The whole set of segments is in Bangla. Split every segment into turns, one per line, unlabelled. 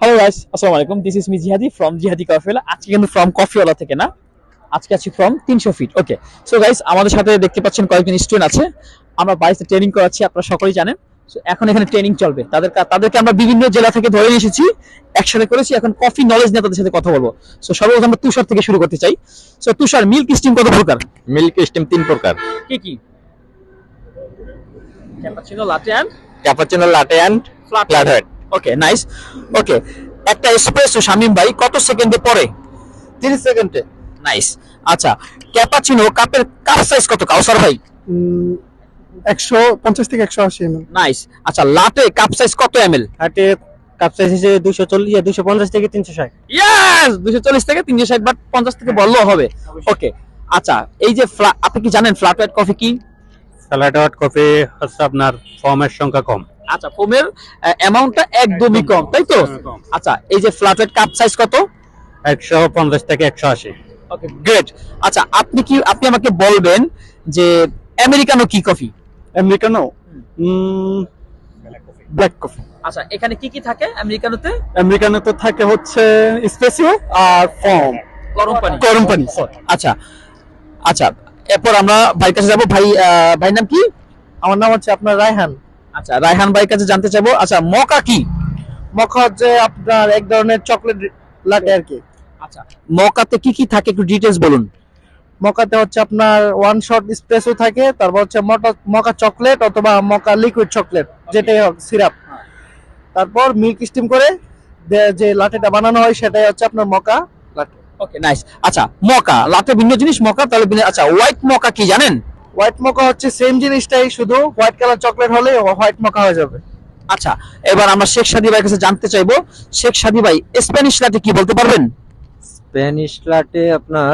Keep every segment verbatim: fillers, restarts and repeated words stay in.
হ্যালো গাইস, আসসালামু আলাইকুম। This is me Jihadi from Jihadi কফিওয়ালা। আজকে কিন্তু ফ্রম কফিওয়ালা থেকে না, আজকে আছি ফ্রম তিনশো ফিট। ওকে, সো গাইস, আমাদের সাথে দেখতে পাচ্ছেন কয়েকজন স্টুডেন্ট আছে। আমরা বাড়িতে ট্রেনিং করাচ্ছি, আপনারা সকলেই জানেন। সো এখন এখানে ট্রেনিং চলবে। তাদের তাদেরকে আমরা বিভিন্ন জেলা থেকে ধরে নিয়ে এসেছি, একসাথে করেছি। এখন কফি নলেজ নিয়ে তাদের সাথে কথা বলবো। সো সর্বপ্রথম আমরা তুষার থেকে শুরু করতে চাই। সো তুষার, মিল্ক স্টিম কত প্রকার?
মিল্ক স্টিম তিন প্রকার।
কি কি? Cappuccino, latte and
cappuccino, latte and flat white.
Okay, nice. Okay, একটা এসপ্রেসো শামিম ভাই কত সেকেন্ডে পড়ে?
তিরিশ সেকেন্ডে।
নাইস। আচ্ছা, ক্যাপাচিনো কাপের কাপ সাইজ কত কাউসার ভাই?
একশো পঞ্চাশ থেকে একশো আশি এম এল।
নাইস। আচ্ছা, লাটে কাপ সাইজ কত এমএল?
হাটে কাপ সাইজ হিসেবে দুইশো চল্লিশ দুইশো পঞ্চাশ থেকে তিনশো ষাট।
ইয়েস, দুইশো চল্লিশ থেকে তিনশো ষাট, বাট পঞ্চাশ থেকে বললেও হবে। ওকে, আচ্ছা, এই যে ফ্লা- আপনি কি জানেন ফ্ল্যাট হোয়াইট কফি কি?
ফ্ল্যাট হোয়াইট কফি হচ্ছে আপনার ফর্মের সংখ্যা কম।
আচ্ছা, ফোমের অ্যামাউন্টটা একদমই কম, তাই তো?
কম।
আচ্ছা, এই যে ফ্ল্যাট হোয়াইট কাপ সাইজ কত?
একশো পঞ্চাশ থেকে একশো আশি।
Okay, great. আচ্ছা, আপনি কি আপনি আমাকে বলবেন যে আমেরিকানো কি কফি?
Americano, black coffee.
আচ্ছা, এখানে কি কি থাকে আমেরিকানোতে?
আমেরিকানো তো থাকে হচ্ছে স্পেসিও আর ফর্ম,
গরম পানি।
গরম পানি।
আচ্ছা আচ্ছা, এরপর আমরা ভাইয়ের কাছে যাবো। ভাই, আহ, ভাইয়ের নাম কি?
আমার নাম হচ্ছে আপনার রায়হান।
আচ্ছা, রায়হান ভাইয়ের কাছে জানতে চাইবো। আচ্ছা, মকা কি?
মকা হচ্ছে আপনার এক ধরনের চকলেট লাটে আর কি।
আচ্ছা, মকাতে কি কি থাকে একটু ডিটেইলস বলুন।
মকাতে হচ্ছে আপনার ওয়ান শট স্প্রেসো থাকে, তারপর হচ্ছে মকা চকলেট অথবা মকা লিকুইড চকলেট, যেটাই হোক সিরাপ। তারপর মিল্ক স্টিম করে দে- যে লাটেটা বানানো হয় সেটাই হচ্ছে আপনার মকা লাটে।
ওকে, নাইস। আচ্ছা, মকা লাটে ভিন্ন জিনিস, মকা তাহলে ভিন্ন। আচ্ছা, হোয়াইট মকা কি জানেন?
হোয়াইট মকা হচ্ছে সেম জিনিসটাই, শুধু হোয়াইট কালার চকলেট হলে হোয়াইট মকা হয়ে যাবে।
আচ্ছা, এবার আমরা শেখ সাদি ভাইয়ের কাছে জানতে চাইবো। শেখ সাদি ভাই, স্প্যানিশ লাটে কি বলতে পারবেন?
স্প্যানিশ লাটে আপনার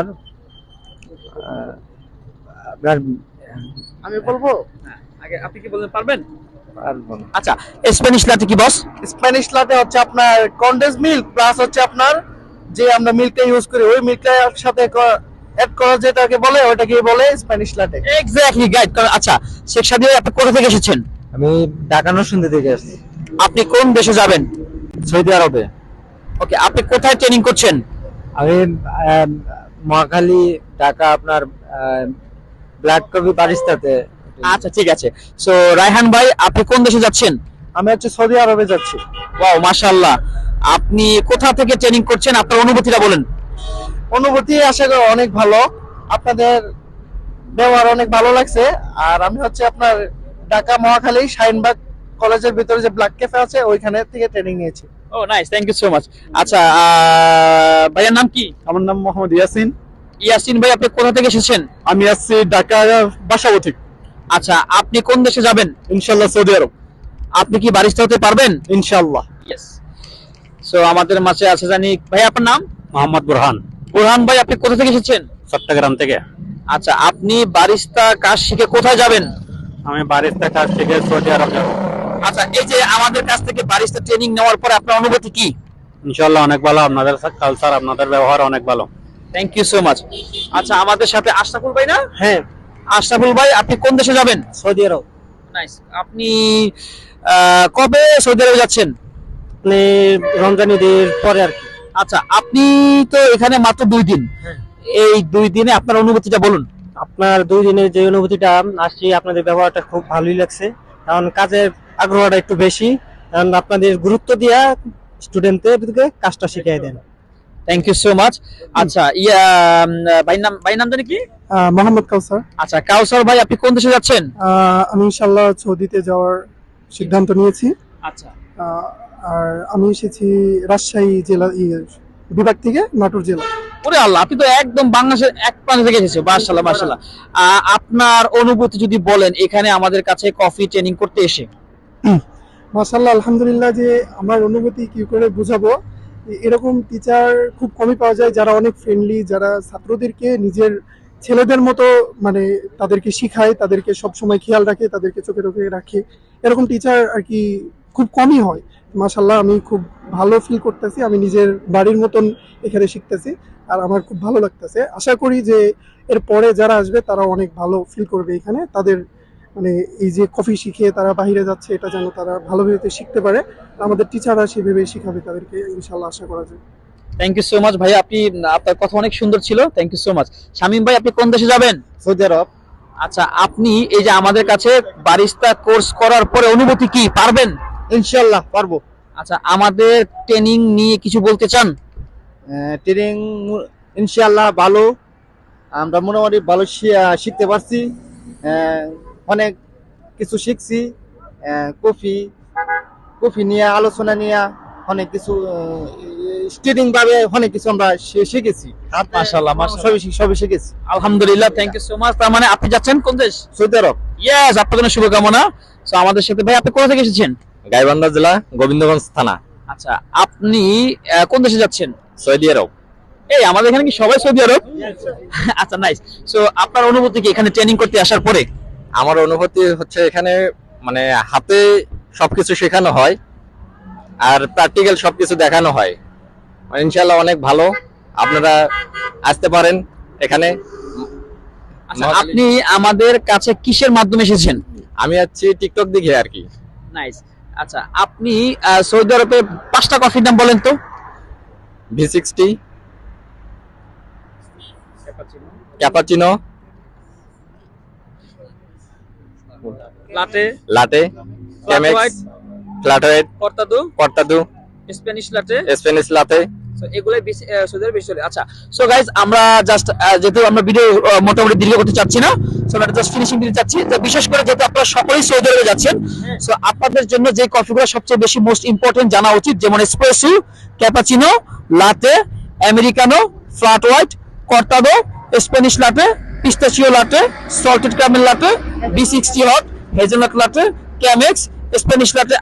আহ, আপনার
আমি বলবো
আগে আপনি কি বলতে পারবেন?
পারবো না।
আচ্ছা, স্প্যানিশ লাটে কি বস?
স্প্যানিশ লাটে হচ্ছে আপনার কনডেন্স মিল্ক প্লাস হচ্ছে আপনার যে আমরা মিল্কটা ইউজ করি ওই মিল্কটার সাথে অ্যাড করা যেটাকে বলে ওটাকে বলে স্প্যানিশ লাটে।
Exactly, guide. আচ্ছা, শেখ সাদি ভাই, আপনি কোথা থেকে এসেছেন?
আমি ঢাকা নরসিংদী থেকে আসছি,
আপনি কোন দেশে যাবেন?
সৌদি আরবে।
ওকে, আপনি কোথায় ট্রেনিং করছেন?
আমি আহ, মহাখালী, ঢাকা আপনার ব্ল্যাক কফি বারিস্তাতে।
আচ্ছা, ঠিক আছে। সো রায়হান ভাই, আপনি কোন দেশে যাচ্ছেন?
আমি হচ্ছে সৌদি আরবে যাচ্ছি।
ওয়াও, মাশাআল্লাহ। আপনি কোথা থেকে ট্রেনিং করছেন, আপনার অনুভূতিটা বলেন।
অনুভূতি আশা করি অনেক ভালো, আপনাদের ব্যবহার অনেক ভালো লাগছে। আর আমি হচ্ছে আপনার ঢাকা মহাখালী শাহিনবাগ কলেজের ভিতরে যে ব্ল্যাক ক্যাফে আছে ওইখানে থেকে ট্রেনিং নিয়েছি।
Oh nice, thank you so much. আচ্ছা, আহ, ভাইয়ের নাম কি?
আমার নাম মোহাম্মদ ইয়াসিন।
ইয়াসিন ভাই, আপনি কোথা থেকে এসেছেন?
আমি আসছি ঢাকা বাসাবো।
আচ্ছা, আপনি কোন দেশে যাবেন?
ইনশাল্লাহ সৌদি আরব।
আপনি কি বারিস্তা হতে পারবেন?
ইনশাল্লাহ।
ইয়েস। সো আমাদের মাঝে আছে জানি ভাই, আপনার নাম?
মোহাম্মদ বুরহান,
বুরহান ভাই, আপনি কোথা থেকে এসেছেন?
চট্টগ্রাম থেকে।
আচ্ছা, আপনি বারিস্তা কাজ শিখে কোথায় যাবেন?
আমি বারিস্তা কাছ থেকে সৌদি আরব যাব।
আচ্ছা, এই যে আমাদের কাছ থেকে বারিস্তা ট্রেনিং নেওয়ার পরে আপনার অনুভূতি কি?
ইনশাল্লাহ অনেক ভালো, আপনাদের কালচার, আপনাদের ব্যবহার অনেক ভালো।
Thank you so much. আচ্ছা, আমাদের সাথে আশরাফুল ভাই না?
হ্যাঁ,
আশরাফুল ভাই, আপনি কোন দেশে যাবেন?
সৌদি আরব।
নাইস। আপনি আহ, কবে সৌদি আরবে যাচ্ছেন?
আপনি রমজান ঈদের পরে আর কি।
আচ্ছা, আপনি তো এখানে মাত্র দুই দিন। এই দুই দিনে আপনার অনুভূতিটা বলুন।
আপনার দুই দিনের যে অনুভূতিটা আসছি, আপনাদের ব্যবহারটা খুব ভালোই লাগছে, কারণ কাজের আগ্রহটা একটু বেশি, কারণ আপনাদের গুরুত্ব দিয়া স্টুডেন্টদেরকে কাজটা শিখিয়ে দেন।
Thank you so much. আচ্ছা, ইয়া উম, ভাই নাম ভাই নাম জানি কি?
মোহাম্মদ কাউসার।
আচ্ছা, কাউসার ভাই, আপনি কোন দেশে যাচ্ছেন?
আমি ইনশাল্লাহ সৌদিতে যাওয়ার সিদ্ধান্ত নিয়েছি।
আচ্ছা,
আহ, আর আমি এসেছি রাজশাহী জেলা ইয়ে, বিভাগ থেকে, নাটোর জেলা।
ওরে আল্লাহ, আপনি তো একদম বাংলাদেশের এক প্রান্ত থেকে এসেছেন। মাশাআল্লাহ, মাশাআল্লাহ। আহ, আপনার অনুভূতি যদি বলেন এখানে আমাদের কাছে কফি ট্রেনিং করতে এসে।
মাশাআল্লাহ, আলহামদুলিল্লাহ। যে আমার অনুভূতি কি করে বোঝাবো, এরকম টিচার খুব কমই পাওয়া যায় যারা অনেক ফ্রেন্ডলি, যারা ছাত্রদেরকে নিজের ছেলেদের মতো মানে তাদেরকে শিখায়, তাদেরকে সব সময় খেয়াল রাখে, তাদেরকে চোখে চোখে রাখে। এরকম টিচার আর কি খুব কমই হয়। মাশাআল্লাহ, আমি খুব ভালো ফিল করতেছি, আমি নিজের বাড়ির মতন এখানে শিখতেছি, আর আমার খুব ভালো লাগতেছে। আশা করি যে এর পরে যারা আসবে তারা অনেক ভালো ফিল করবে এখানে, তাদের মানে এই যে কফি শিখে তারা বাইরে যাচ্ছে, এটা যেন তারা ভালোভাবে শিখতে পারে। আমাদের টিচাররা সেভাবে শিখাবে তাদেরকে, ইনশাল্লাহ আশা করা যায়।
থ্যাংক ইউ সো মাচ ভাই, আপনি আপনার কথা অনেক সুন্দর ছিল, thank you so much. Shamim ভাই, আপনি কোন দেশে যাবেন?
সৌদি আরব।
আচ্ছা, আপনি এই যে আমাদের কাছে বারিস্তা কোর্স করার পরে অনুভূতি কি, পারবেন?
ইনশাল্লাহ পারবো।
আচ্ছা, আমাদের ট্রেনিং নিয়ে কিছু বলতে চান?
ট্রেনিং ইনশাল্লাহ ভালো, আমরা মোটামুটি ভালো শি- শিখতে পারছি, আহ, অনেক কিছু শিখছি। আহ, কফি কফি নিয়ে আলোচনা নিয়ে অনেক কিছু স্টুডিং ভাবে অনেক কিছু আমরা শি- শিখেছি।
মাশাআল্লাহ, মাশাআল্লাহ।
সবই শি- সবই শিখেছি।
আলহামদুলিল্লাহ, থ্যাংক ইউ সো মাচ। তার মানে আপনি যাচ্ছেন কোন দেশ?
সৌদি আরব।
ইয়েস, আপনার জন্য শুভকামনা। সো আমাদের সাথে ভাই, আপনি কোথা থেকে এসেছেন?
গাইবান্ধা জেলা, গোবিন্দগঞ্জ থানা,
আচ্ছা, আপনি আহ, কোন দেশে যাচ্ছেন?
সৌদি আরব।
এই আমাদের এখানে কি সবাই সৌদি আরব? আচ্ছা, নাইস। সো আপনার অনুভূতি কি এখানে ট্রেনিং করতে আসার পরে?
আমার অনুভূতি হচ্ছে এখানে মানে হাতে সবকিছু শেখানো হয় আর প্র্যাকটিক্যাল সবকিছু দেখানো হয়। ইনশাআল্লাহ অনেক ভালো, আপনারা আসতে পারেন এখানে।
আচ্ছা, আপনি আমাদের কাছে কিসের মাধ্যমে এসেছেন?
আমি আছি টিকটক দেখে আর কি।
নাইস। আচ্ছা, আপনি আহ, সৌদি আরবে পাঁচটা কফির নাম বলেন তো।
V sixty, cappuccino,
latte,
latte, Chemex, flat white,
cortado,
cortado,
Spanish latte.
Spanish latte.
So, এগুলাই বেশি আহ, সৌদি আরবে বেশি চলে। আচ্ছা, সো গাইজ, আমরা জাস্ট যেহেতু আমরা ভিডিও মোটামুটি দীর্ঘ করতে চাচ্ছি না, সো আমরা জাস্ট ফিনিশিং দিতে চাচ্ছি। তো বিশেষ করে যেহেতু আপনারা সকলেই সৌদি আরবে যাচ্ছেন, সো আপনাদের জন্য যে কফিগুলো সবচেয়ে বেশি মোস্ট ইম্পর্টেন্ট জানা উচিত, যেমন espresso, cappuccino, latte, americano, flat white, cortado, Spanish latte, pistachio latte, salted caramel latte, V sixty hot, hazelnut latte, Chemex, Spanish লাটে